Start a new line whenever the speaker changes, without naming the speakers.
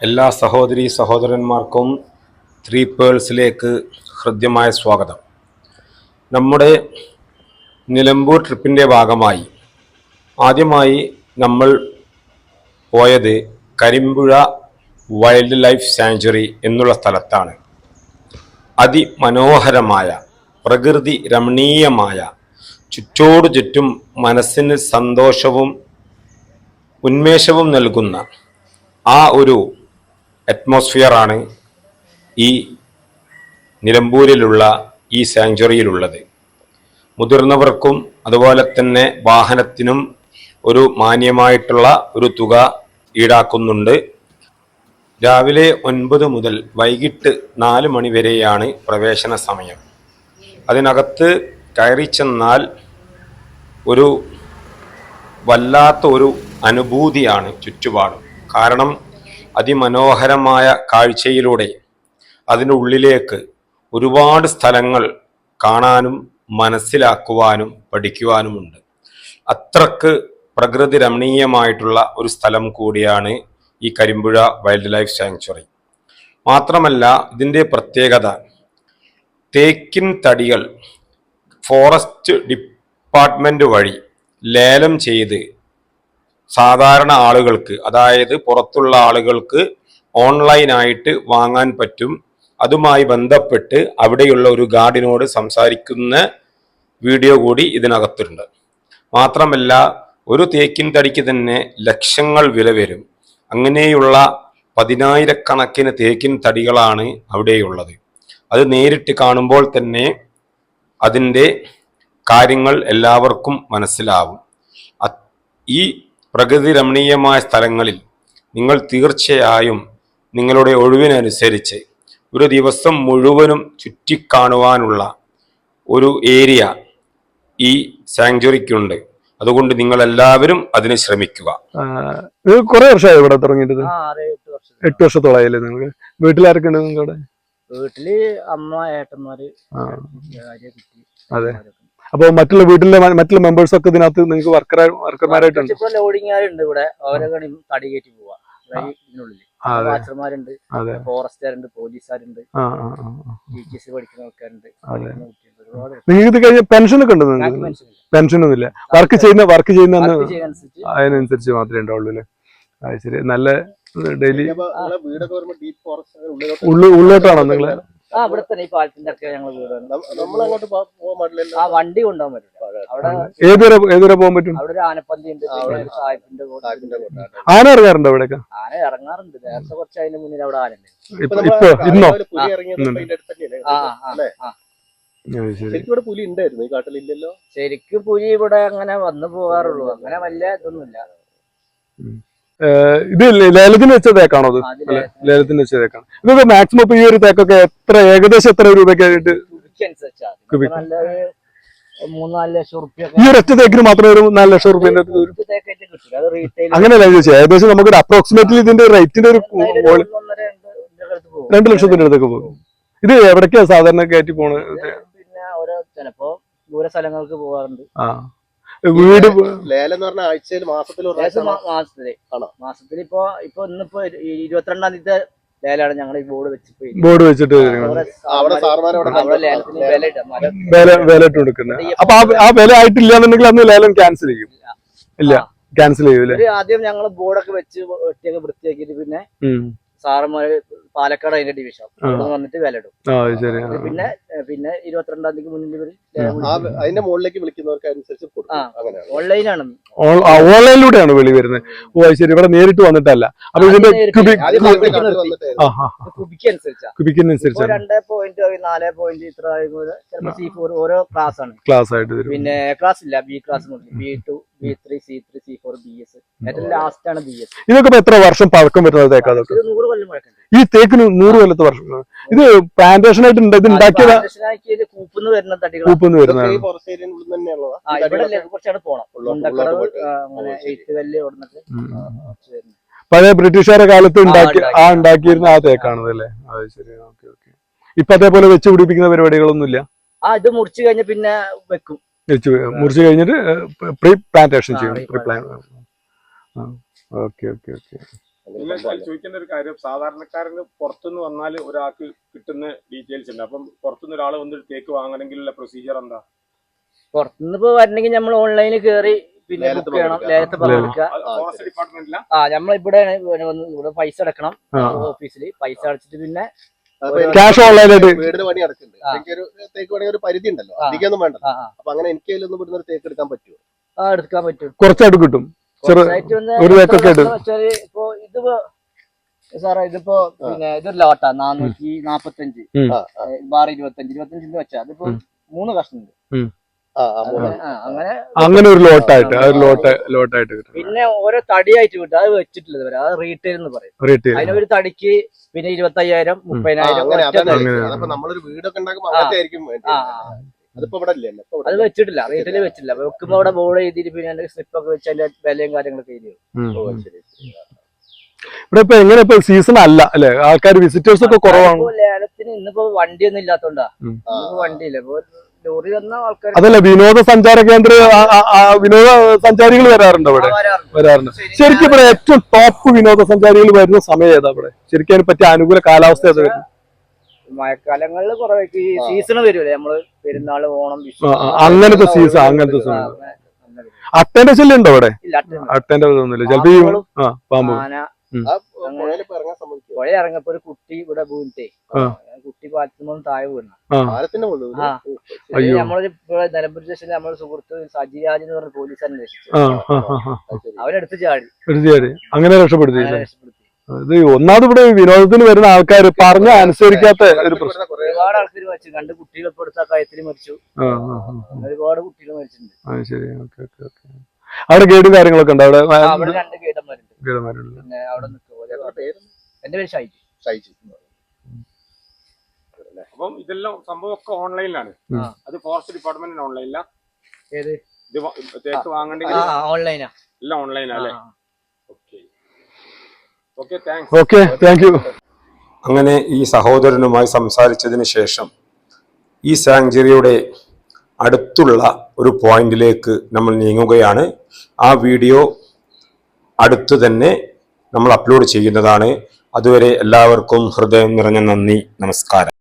എല്ലാ സഹോദരീ സഹോദരന്മാർക്കും ത്രീ പേൾസിലേക്ക് ഹൃദ്യമായ സ്വാഗതം. നമ്മുടെ നിലമ്പൂർ ട്രിപ്പിൻ്റെ ഭാഗമായി ആദ്യമായി നമ്മൾ പോയത് കരിമ്പുഴ വൈൽഡ് ലൈഫ് സാങ്ച്വറി എന്നുള്ള സ്ഥലത്താണ്. അതിമനോഹരമായ പ്രകൃതി രമണീയമായ ചുറ്റോടു ചുറ്റും മനസ്സിന് സന്തോഷവും ഉന്മേഷവും നൽകുന്ന ആ ഒരു അറ്റ്മോസ്ഫിയറാണ് ഈ നിലമ്പൂരിലുള്ള ഈ സാങ്ച്വറിയിലുള്ളത്. മുതിർന്നവർക്കും അതുപോലെ തന്നെ വാഹനത്തിനും ഒരു മാന്യമായിട്ടുള്ള ഒരു തുക ഈടാക്കുന്നുണ്ട്. രാവിലെ 9 മുതൽ വൈകിട്ട് 4 മണി വരെയാണ് പ്രവേശന സമയം. അതിനകത്ത് കയറി ചെന്നാൽ ഒരു വല്ലാത്ത ഒരു അനുഭൂതിയാണ് ചുറ്റുപാടും. കാരണം അതിമനോഹരമായ കാഴ്ചയിലൂടെ അതിൻ്റെ ഉള്ളിലേക്ക് ഒരുപാട് സ്ഥലങ്ങൾ കാണാനും മനസ്സിലാക്കുവാനും പഠിക്കുവാനുമുണ്ട്. അത്രക്ക് പ്രകൃതി രമണീയമായിട്ടുള്ള ഒരു സ്ഥലം കൂടിയാണ് ഈ കരിമ്പുഴ വൈൽഡ് ലൈഫ് സാങ്ച്വറി. മാത്രമല്ല ഇതിൻ്റെ പ്രത്യേകത, തേക്കിൻ തടികൾ ഫോറസ്റ്റ് ഡിപ്പാർട്ട്മെൻറ്റ് വഴി ലേലം ചെയ്ത് സാധാരണ ആളുകൾക്ക്, അതായത് പുറത്തുള്ള ആളുകൾക്ക് ഓൺലൈനായിട്ട് വാങ്ങാൻ പറ്റും. അതുമായി ബന്ധപ്പെട്ട് അവിടെയുള്ള ഒരു ഗാർഡിനോട് സംസാരിക്കുന്ന വീഡിയോ കൂടി ഇതിനകത്തുണ്ട്. മാത്രമല്ല ഒരു തേക്കിൻ തടിക്ക് തന്നെ ലക്ഷങ്ങൾ വില വരും. അങ്ങനെയുള്ള 10,000-കണക്കിന് തേക്കിൻ തടികളാണ് അവിടെയുള്ളത്. അത് നേരിട്ട് കാണുമ്പോൾ തന്നെ അതിൻ്റെ കാര്യങ്ങൾ എല്ലാവർക്കും മനസ്സിലാവും. ഈ പ്രകൃതി രമണീയമായ സ്ഥലങ്ങളിൽ നിങ്ങൾ തീർച്ചയായും നിങ്ങളുടെ ഒഴിവിനനുസരിച്ച് ഒരു ദിവസം മുഴുവനും ചുറ്റിക്കാണുവാനുള്ള ഒരു ഏരിയ ഈ സാങ്ച്വറിക്കുണ്ട്. അതുകൊണ്ട് നിങ്ങൾ എല്ലാവരും അതിന് ശ്രമിക്കുക.
കുറെ വർഷമായി ഇവിടെ തുടങ്ങിയിട്ട്? 8 വർഷത്തോളായില്ലേ നിങ്ങൾക്ക്? വീട്ടിലാരൊക്കെ ഉണ്ട് നിങ്ങളുടെ?
വീട്ടില് അമ്മ, ഏട്ടന്മാര്.
അതെ. അപ്പൊ മറ്റുള്ള വീട്ടിലെ മറ്റുള്ള മെമ്പേഴ്സ് ഒക്കെ ഇതിനകത്ത് നിങ്ങൾക്ക് വർക്കർമാരായിട്ടുണ്ട്?
ലോഡിങ്ങാരുണ്ട് ഇവിടെ. അവരെ തടി കയറ്റി പോവാ ഇതിനുള്ളിൽ. വാച്ചർമാരുണ്ട്, ഫോറസ്റ്റുകാരുണ്ട്, പോലീസുകാരുണ്ട്, ടീച്ചേഴ്സ് പഠിക്കുന്ന ആൾക്കാരുണ്ട്.
നിങ്ങൾക്ക് ഇത് കഴിഞ്ഞ പെൻഷനൊക്കെ ഉണ്ടോ? പെൻഷനൊന്നും ഇല്ല. വർക്ക് ചെയ്യുന്ന അതിനനുസരിച്ച് മാത്രമേ ഉണ്ടാവുള്ളൂ അല്ലേ? അത് ശരി. നല്ല ഡെയിലി ഉള്ളോട്ടാണോ നിങ്ങള്?
ഇവിടെ തന്നെ ഈ പാലത്തിന്റെ ഒക്കെ ഞങ്ങൾ വണ്ടി കൊണ്ടുപോകാൻ പറ്റില്ല.
ഏതുവരെ പോകാൻ പറ്റും?
അവിടെ ഒരു ആനപ്പന്തി ഉണ്ട്, സാഹിബിന്റെ.
ആന ഇറങ്ങാറുണ്ടോ ഇവിടെയൊക്കെ?
ആന ഇറങ്ങാറുണ്ട്. നേരത്തെ കുറച്ച് അതിന് മുന്നിൽ അവിടെ ആന ഉണ്ട്.
ഇന്നോ?
പുലി ഉണ്ടായിരുന്നു ഈ കാട്ടിലില്ലല്ലോ.
ശരിക്കും പുലി ഇവിടെ അങ്ങനെ വന്നു പോകാറുള്ളൂ. അങ്ങനെ വലിയ ഇതൊന്നുമില്ല.
ഇത് ലേലത്തിന് വെച്ച തേക്കാണോ? അത് ലേലത്തിന് വെച്ച തേക്കാണ്. ഇതൊക്കെ മാക്സിമം ഇപ്പൊ ഈ ഒരു തേക്കൊക്കെ ഏകദേശം എത്ര രൂപയ്ക്കായിട്ട്?
3-4 ലക്ഷം റുപ്യ.
ഈ ഒരു ഒറ്റ തേക്കിന് മാത്രം ഒരു 4 ലക്ഷം റുപ്യന്റെ അങ്ങനെയല്ല ചോദിച്ചത്. ഏകദേശം നമുക്കൊരു അപ്രോക്സിമേറ്റ്ലി ഇതിന്റെ റേറ്റിന്റെ ഒരു 2 ലക്ഷത്തിന്റെ അടുത്തൊക്കെ പോകും. ഇത് എവിടേക്കാ സാധാരണ കയറ്റി പോണത്?
പിന്നെ ഓരോ ചിലപ്പോ ദൂര സ്ഥലങ്ങൾക്ക് പോകാറുണ്ട്.
വീട്
ലേലം എന്ന് പറഞ്ഞ ആഴ്ചയിൽ മാസത്തിൽ
ഇപ്പൊ ഇന്നിപ്പോ 22-ാം തീയതി ലേലാണ്. ഞങ്ങൾ ഈ ബോർഡ് വെച്ചിട്ട്
വില ഇട്ട് കൊടുക്കുന്നത്. അപ്പൊ ആ വില ആയിട്ടില്ല എന്നുണ്ടെങ്കിൽ അന്ന് ലേലം ക്യാൻസൽ ചെയ്യും? ഇല്ല, ക്യാൻസൽ ചെയ്യൂലേ?
ആദ്യം ഞങ്ങൾ ബോർഡൊക്കെ വെച്ച് ഒറ്റയൊക്കെ വൃത്തിയാക്കിയിട്ട് പിന്നെ സാറന്മാര് പാലക്കാട് അതിന്റെ ഡിവിഷൻ വന്നിട്ട് വില ഇടും. പിന്നെ 22-ാം തീയതിക്ക് മുന്നിൽ
അതിന്റെ മുകളിലേക്ക് വിളിക്കുന്നവർക്ക് അനുസരിച്ച്
ഓൺലൈനാണ്.
ഓൺലൈനിലൂടെയാണ് വിളി വരുന്നത്. ഓ ശരി. ഇവിടെ നേരിട്ട് വന്നിട്ടല്ല. അപ്പൊ ഇതിന്റെ കുബിക്കനുസരിച്ച്
2.4 ഇത്ര C4 ഓരോ ക്ലാസ് ആണ്.
ക്ലാസ് ആയിട്ട്
പിന്നെ എ ക്ലാസ് ഇല്ല, ബി ക്ലാസ് മുതൽ B2, B3, C3, C4, BS. ഏറ്റവും ലാസ്റ്റ് ആണ് BS.
ഇതൊക്കെ എത്ര വർഷം പഴക്കം വരുന്നത് തേക്കാ?
100 കൊല്ലം പഴക്കം.
ഈ തേക്കിന് 100 കൊല്ലത്തെ വർഷം. ഇത് പ്ലാന്റേഷൻ ആയിട്ട് ഇത് ഉണ്ടാക്കിയത്
കൂപ്പുന്ന് വരുന്ന തടികൾ. കുറച്ചാണ് പോണം.
പഴയ ബ്രിട്ടീഷുകാരുടെ കാലത്ത് ഉണ്ടാക്കിയിരുന്ന ആ തേക്കാണത് അല്ലേ? അത് ശരി. Okay okay. ഇപ്പൊ അതേപോലെ വെച്ച് പിടിപ്പിക്കുന്ന പരിപാടികളൊന്നും ഇല്ല?
ഇത് മുറിച്ചു കഴിഞ്ഞ പിന്നെ വെക്കും.
മുറിച്ചു കഴിഞ്ഞിട്ട് പ്രീ പ്ലാന്റേഷൻ ചെയ്യും. Pre plan. Okay okay okay.
ചോദിക്കേണ്ട ഒരു കാര്യം, സാധാരണക്കാരന് പുറത്തുനിന്ന് വന്നാൽ ഒരാൾക്ക് കിട്ടുന്ന ഡീറ്റെയിൽസ് ഉണ്ട്. അപ്പം പുറത്തുനിന്ന് ഒരാൾ വന്നിട്ട് തേക്ക് വാങ്ങണമെങ്കിലുള്ള പ്രൊസീജിയർ എന്താ?
പുറത്തുനിന്ന് ഇപ്പൊ വരണമെങ്കിൽ നമ്മൾ ഓൺലൈനിൽ കയറി പിന്നെ ബുക്ക് ചെയ്യണം, ലേലത്ത് പങ്കെടുക്കുക.
ഫോറസ്റ്റ് ഡിപ്പാർട്ട്മെന്റില
നമ്മളിവിടെ ഇവിടെ പൈസ അടക്കണം ഓഫീസിൽ. പൈസ അടച്ചിട്ട് പിന്നെ
ക്യാഷ് ഓൺലൈനായിട്ട്
വീടിന് പണി നടക്കുന്നുണ്ട്. എനിക്കൊരു തേക്ക് പണി ഒരു പരിധി ഉണ്ടല്ലോ, അധികമൊന്നും വേണ്ട. അപ്പൊ അങ്ങനെ എനിക്ക് അതിലൊന്നും ഇവിടുന്ന് ഒരു തേക്ക് എടുക്കാൻ പറ്റുമോ?
എടുക്കാൻ പറ്റും.
കുറച്ചായിട്ട് കിട്ടും. ഒരു തേക്കൊക്കെ
ഇപ്പൊ ഇതിപ്പോ സാറേ ഇതിപ്പോ പിന്നെ ഇതൊരു ലോട്ടാ 445 ബാർ 25 വെച്ചാ അതിപ്പോ 3 കഷ്ണുണ്ട്.
അങ്ങനെ ഒരു ലോട്ടായിട്ട് കിട്ടും.
പിന്നെ ഓരോ തടിയായിട്ട് കിട്ടും. അത് വെച്ചിട്ടില്ല ഇതുവരെ. അത് റീറ്റെയിൽ എന്ന് പറയും. അതിനൊരു തടിക്ക് പിന്നെ 25,000 30,000.
നമ്മളൊരു വീടൊക്കെ ഉണ്ടാക്കുമ്പോൾ അങ്ങനത്തെ ആയിരിക്കും. അതിപ്പോ ഇവിടെ ഇല്ല,
അത് വെച്ചിട്ടില്ല, റീറ്റെയിൽ വെച്ചിട്ടില്ല. വെക്കുമ്പോ അവിടെ ബോർഡ് ചെയ്തിട്ട് പിന്നെ സ്ലിപ്പൊക്കെ വെച്ച് അതിന്റെ വിലയും കാര്യങ്ങളൊക്കെ എഴുതി.
ഇവിടെ ഇപ്പൊ എങ്ങനെ ഇപ്പൊ സീസൺ അല്ല അല്ലെ, ആൾക്കാർ വിസിറ്റേഴ്സ് ഒക്കെ കുറവാണ്.
ലേലത്തിന് ഇന്നിപ്പോ വണ്ടിയൊന്നും ഇല്ലാത്തോണ്ടാ. വണ്ടിയില്ല, ഇപ്പൊ ലോറി വന്ന ആൾക്കാർ.
അതല്ല, വിനോദസഞ്ചാര കേന്ദ്ര വിനോദസഞ്ചാരികൾ വരാറുണ്ട് ഇവിടെ, വരാറുണ്ട്. ശരിക്കും ഇവിടെ ഏറ്റവും ടോപ്പ് വിനോദസഞ്ചാരികൾ വരുന്ന സമയം ഏതാ ഇവിടെ? ശരിക്കും അതിനെ പറ്റിയ അനുകൂല കാലാവസ്ഥ ഏതാ?
മഴക്കാലങ്ങളിൽ കുറെ സീസൺ വരുമല്ലേ, നമ്മള് പെരുന്നാള്, ഓണം, വിഷു,
അങ്ങനത്തെ സീസൺ. അട്ടേന്റെ ശല്യം ഉണ്ടോ ഇവിടെ? അട്ടേന്റെ ഒന്നുമില്ല. ചിലപ്പോ പാമ്പ്
പുഴ ഇറങ്ങപ്പോ ഒരു കുട്ടി ഇവിടെ വീണിട്ടേ, കുട്ടി പാലത്തുമ്പോൾ താഴെ വീണ. നമ്മളൊരു നിലമ്പൂർ സ്റ്റേഷനിൽ നമ്മളെ സുഹൃത്ത് സജിരാജ് എന്ന് പറഞ്ഞ പോലീസ് അന്വേഷിച്ചു. അവരെടുത്ത് ചാടി
അങ്ങനെ രക്ഷപ്പെടുത്തി. ഇത് ഒന്നാമത് ഇവിടെ വിനോദത്തിന് വരുന്ന ആൾക്കാർ പറഞ്ഞ അനുസരിക്കാത്ത ഒരു പ്രശ്നം.
ഒരുപാട് ആൾക്കാർ മരിച്ചു. 2 കുട്ടികൾ ഇപ്പൊ എടുത്ത കയത്തിൽ മരിച്ചു. ഒരുപാട് കുട്ടികൾ മരിച്ചിട്ടുണ്ട്.
ശരി, ഓക്കെ. അവിടെ ഗൈഡും കാര്യങ്ങളൊക്കെ ഉണ്ട്? അവിടെ
2 ഗൈഡന്മാരുണ്ട്. പിന്നെ അവിടെ എന്റെ പേര് ഷൈജി.
അപ്പം ഇതെല്ലാം സംഭവം ഒക്കെ ഓൺലൈനിലാണ്. അത് ഫോറസ്റ്റ് ഡിപ്പാർട്ട്മെന്റിന് ഓൺലൈനില.
ഏത്
ഇത് തേക്ക് വാങ്ങണ്ടെങ്കിൽ
ഓൺലൈനാ?
എല്ലാം ഓൺലൈനാ അല്ലേ?
Okay, thank you.
അങ്ങനെ ഈ സഹോദരനുമായി സംസാരിച്ചതിന് ശേഷം ഈ സാങ്ച്വറിയുടെ അടുത്തുള്ള ഒരു പോയിന്റിലേക്ക് നമ്മൾ നീങ്ങുകയാണ്. ആ വീഡിയോ അടുത്തു തന്നെ നമ്മൾ അപ്ലോഡ് ചെയ്യുന്നതാണ്. അതുവരെ എല്ലാവർക്കും ഹൃദയം നിറഞ്ഞ നന്ദി, നമസ്കാരം.